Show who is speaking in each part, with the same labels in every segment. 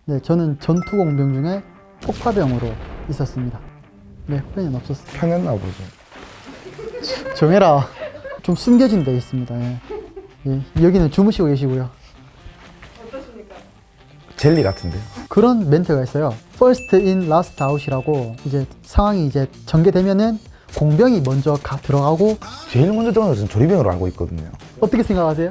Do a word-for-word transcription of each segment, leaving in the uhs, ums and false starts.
Speaker 1: 네, 저는 전투공병 중에 폭파병으로 있었습니다. 네, 후배는 없었어요.
Speaker 2: 편했나 보죠.
Speaker 1: 정해라. 좀 숨겨진 데 있습니다. 예. 예, 여기는 주무시고 계시고요.
Speaker 3: 어떠십니까?
Speaker 2: 젤리 같은데요.
Speaker 1: 그런 멘트가 있어요. First in, last out이라고 이제 상황이 이제 전개되면은 공병이 먼저 가, 들어가고
Speaker 2: 제일 먼저 들어가는 것은 조리병으로 알고 있거든요.
Speaker 1: 어떻게 생각하세요?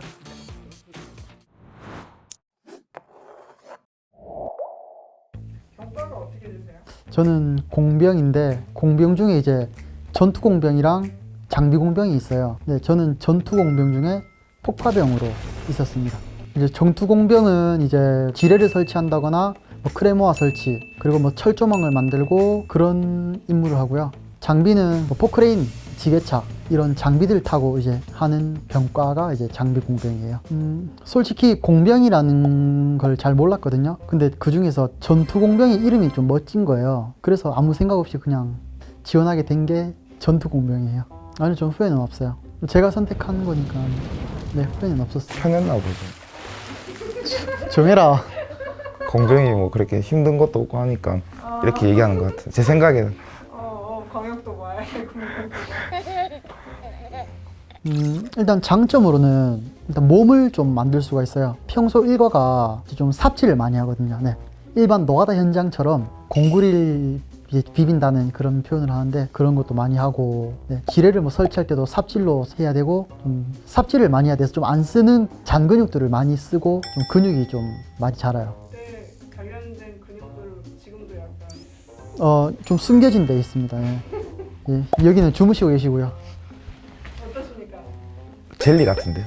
Speaker 3: 병과가 어떻게 되세요?
Speaker 1: 저는 공병인데 공병 중에 이제 전투공병이랑 장비공병이 있어요. 네, 저는 전투공병 중에 폭파병으로 있었습니다. 이제 전투공병은 이제 지뢰를 설치한다거나 뭐 크레모아 설치 그리고 뭐 철조망을 만들고 그런 임무를 하고요. 장비는 뭐 포크레인, 지게차 이런 장비들 타고 이제 하는 병과가 이제 장비공병이에요. 음, 솔직히 공병이라는 걸 잘 몰랐거든요. 근데 그 중에서 전투공병의 이름이 좀 멋진 거예요. 그래서 아무 생각 없이 그냥 지원하게 된 게 전투공병이에요. 아니, 전 후회는 없어요. 제가 선택한 거니까 네, 후회는 없었어요.
Speaker 2: 편했나 보죠.
Speaker 1: 정해라.
Speaker 2: 공병이 뭐 그렇게 힘든 것도 없고 하니까 이렇게 얘기하는 것 같아요. 제 생각에는.
Speaker 3: 어, 어 광역도 말, 공격도 말.
Speaker 1: 음, 일단 장점으로는 일단 몸을 좀 만들 수가 있어요. 평소 일과가 좀 삽질을 많이 하거든요. 네. 일반 노가다 현장처럼 공구리를 이제 비빈다는 그런 표현을 하는데 그런 것도 많이 하고, 네. 지뢰를 뭐 설치할 때도 삽질로 해야 되고 좀 삽질을 많이 해야 돼서 좀 안 쓰는 잔 근육들을 많이 쓰고 좀 근육이 좀 많이 자라요.
Speaker 3: 그때 단련된 근육들 지금도 약간
Speaker 1: 어, 좀 숨겨진 데 있습니다. 예. 예, 여기는 주무시고 계시고요.
Speaker 3: 어떠십니까?
Speaker 2: 젤리 같은데요.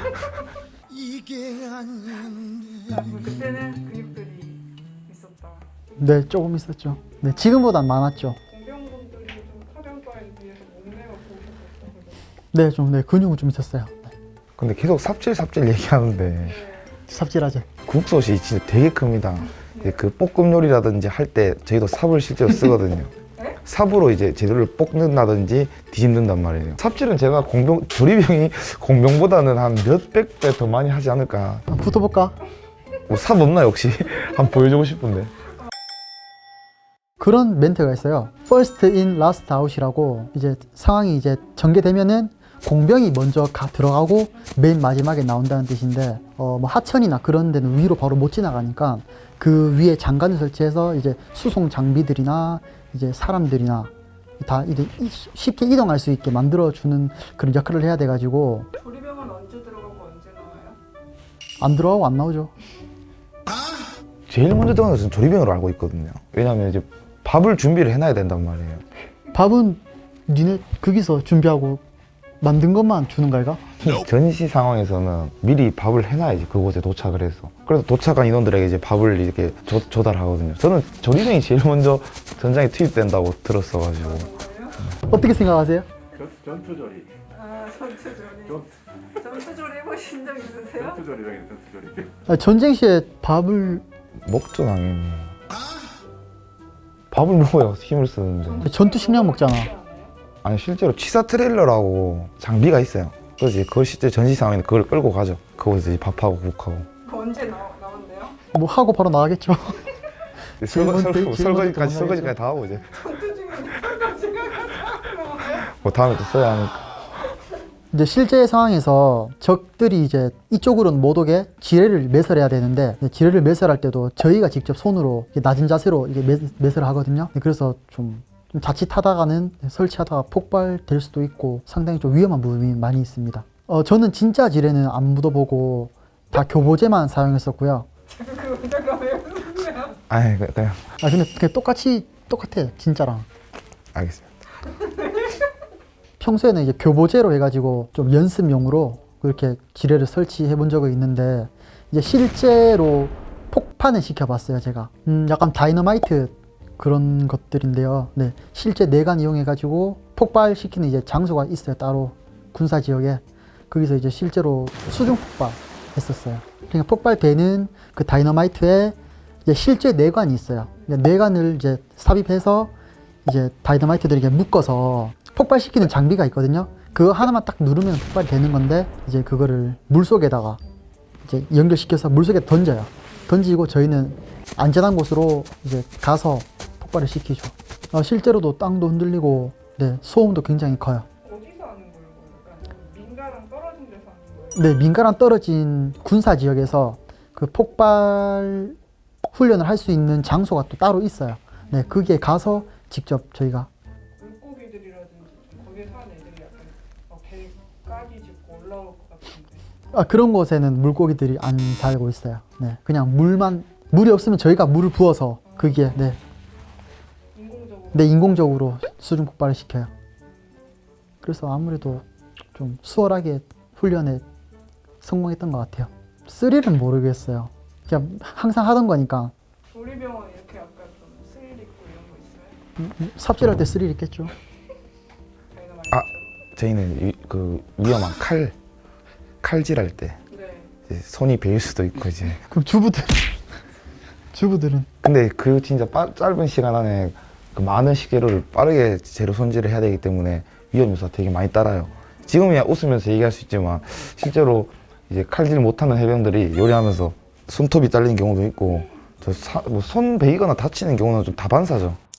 Speaker 3: 그럼 그때는 근육들이 있었다.
Speaker 1: 네, 조금 있었죠. 네, 지금보단 많았죠.
Speaker 3: 공병분들이 좀 타병과에 비해서 몸매가 보셨었어요.
Speaker 1: 네, 좀, 네, 근육은 좀 있었어요. 네,
Speaker 2: 근데 계속 삽질 삽질 얘기하는데
Speaker 1: 삽질하죠.
Speaker 2: 국솥이 진짜 되게 큽니다. 이제 그 볶음 요리라든지 할 때 저희도 삽을 실제로 쓰거든요.
Speaker 3: 네?
Speaker 2: 삽으로 이제 재료를 볶는다든지 뒤집는단 말이에요. 삽질은 제가 공병, 조리병이 공병보다는 한 몇백 배 더 많이 하지 않을까.
Speaker 1: 아, 붙어볼까?
Speaker 2: 뭐 삽 없나 혹시? 한번 보여주고 싶은데.
Speaker 1: 그런 멘트가 있어요. First in, last out이라고 이제 상황이 이제 전개되면은 공병이 먼저 가, 들어가고 맨 마지막에 나온다는 뜻인데 어, 뭐 하천이나 그런 데는 위로 바로 못 지나가니까 그 위에 장관을 설치해서 이제 수송 장비들이나 이제 사람들이나 다 이제 쉽게 이동할 수 있게 만들어주는 그런 역할을 해야 돼가지고
Speaker 3: 조리병은 언제 들어가고 언제 나와요?
Speaker 1: 안 들어가고 안 나오죠.
Speaker 2: 제일 먼저 들어가는 것은 조리병으로 알고 있거든요. 왜냐하면 이제 밥을 준비를 해놔야 된단 말이에요.
Speaker 1: 밥은 니네 거기서 준비하고 만든 것만 주는 거야?
Speaker 2: 전시 상황에서는 미리 밥을 해놔야지, 그곳에 도착을 해서. 그래서 도착한 인원들에게 이제 밥을 이렇게 조, 조달하거든요. 저는 조리병이 제일 먼저 전장에 투입된다고 들었어가지고.
Speaker 3: 뭐예요?
Speaker 1: 어떻게 생각하세요?
Speaker 4: 전, 전투조리.
Speaker 3: 아, 전투조리.
Speaker 4: 전,
Speaker 3: 전투조리 해보신 적 있으세요?
Speaker 4: 전투조리병이 전투조리.
Speaker 1: 아, 전쟁 시에 밥을
Speaker 2: 먹죠, 당연히. 밥을 먹어야 힘을 쓰는데.
Speaker 1: 전투 식량 먹잖아.
Speaker 2: 아니, 실제로 취사 트레일러라고 장비가 있어요. 그래서 이제 그걸 실제 전시 상황에는 그걸 끌고 가죠. 그곳에서 이제 밥하고 국하고.
Speaker 3: 그 언제 나, 나온대요?
Speaker 1: 뭐 하고 바로 나가겠죠.
Speaker 2: 설거,
Speaker 1: 먼저-
Speaker 2: 설거,
Speaker 1: 제일 먼저
Speaker 2: 설거지까지,
Speaker 1: 도망가겠죠.
Speaker 2: 설거지까지 다 하고 이제.
Speaker 3: 전투 중에 설거지가 가서
Speaker 2: 뭐 다음에 또 써야 하니까.
Speaker 1: 이제 실제 상황에서 적들이 이제 이쪽으로는 못 오게 지뢰를 매설해야 되는데 지뢰를 매설할 때도 저희가 직접 손으로 이렇게 낮은 자세로 이게 매, 매설을 하거든요. 그래서 좀, 좀 자칫하다가는 설치하다가 폭발될 수도 있고 상당히 좀 위험한 부분이 많이 있습니다. 어, 저는 진짜 지뢰는 안 묻어보고 다 교보제만 사용했었고요.
Speaker 3: 그 의자가 왜 웃으세요?
Speaker 2: 아니, 그- 그냥.
Speaker 1: 아 근데 그냥 똑같이 똑같아 진짜랑.
Speaker 2: 알겠습니다.
Speaker 1: 평소에는 이제 교보제로 해가지고 좀 연습용으로 그렇게 지뢰를 설치해 본 적은 있는데 이제 실제로 폭파는 시켜봤어요 제가. 음, 약간 다이너마이트 그런 것들인데요. 네, 실제 내관 이용해가지고 폭발시키는 이제 장소가 있어요 따로 군사 지역에. 거기서 이제 실제로 수중 폭발했었어요. 그러니까 폭발되는 그 다이너마이트에 이제 실제 내관이 있어요. 그러니까 내관을 이제 삽입해서 이제 다이너마이트들을 이렇게 묶어서 폭발시키는 장비가 있거든요. 그거 하나만 딱 누르면 폭발이 되는 건데 이제 그거를 물속에다가 이제 연결시켜서 물속에 던져요. 던지고 저희는 안전한 곳으로 이제 가서 폭발을 시키죠. 어, 실제로도 땅도 흔들리고 네, 소음도 굉장히 커요.
Speaker 3: 어디서 하는 거예요? 그러니까 민가랑 떨어진 데서 하는 거예요?
Speaker 1: 네, 민가랑 떨어진 군사 지역에서 그 폭발 훈련을 할 수 있는 장소가 또 따로 있어요. 네, 거기에 가서 직접 저희가
Speaker 3: 물고기들이라든지 좀 거기에 사는 애들이 약간 막 배 까기 짚고 올라올 것 같은데.
Speaker 1: 아, 그런 곳에는 물고기들이 안 살고 있어요. 네, 그냥 물만 물이 없으면 저희가 물을 부어서 거기에 네,
Speaker 3: 인공적으로.
Speaker 1: 네 인공적으로 수중 폭발을 시켜요. 그래서 아무래도 좀 수월하게 훈련에 성공했던 것 같아요. 스릴은 모르겠어요. 그냥 항상 하던 거니까
Speaker 3: 조리병원 이렇게 약간 좀 스릴 있고 이런 거 있어요?
Speaker 1: 음, 음, 삽질할 때 스릴 있겠죠.
Speaker 3: 저희가 많이
Speaker 2: 아.
Speaker 3: 했죠.
Speaker 2: 저희는 위, 그 위험한 칼 칼질할 때
Speaker 3: 네.
Speaker 2: 이제 손이 베일 수도 있고 이제.
Speaker 1: 그럼 주부들 주부들은
Speaker 2: 근데 그 진짜 빠, 짧은 시간 안에 그 많은 식재료를 빠르게 재료 손질을 해야 되기 때문에 위험 요소가 되게 많이 따라요. 지금이야 웃으면서 얘기할 수 있지만 실제로 이제 칼질 못하는 해병들이 요리하면서 손톱이 잘리는 경우도 있고 저 사, 뭐 손 베이거나 다치는 경우는 좀 다반사죠.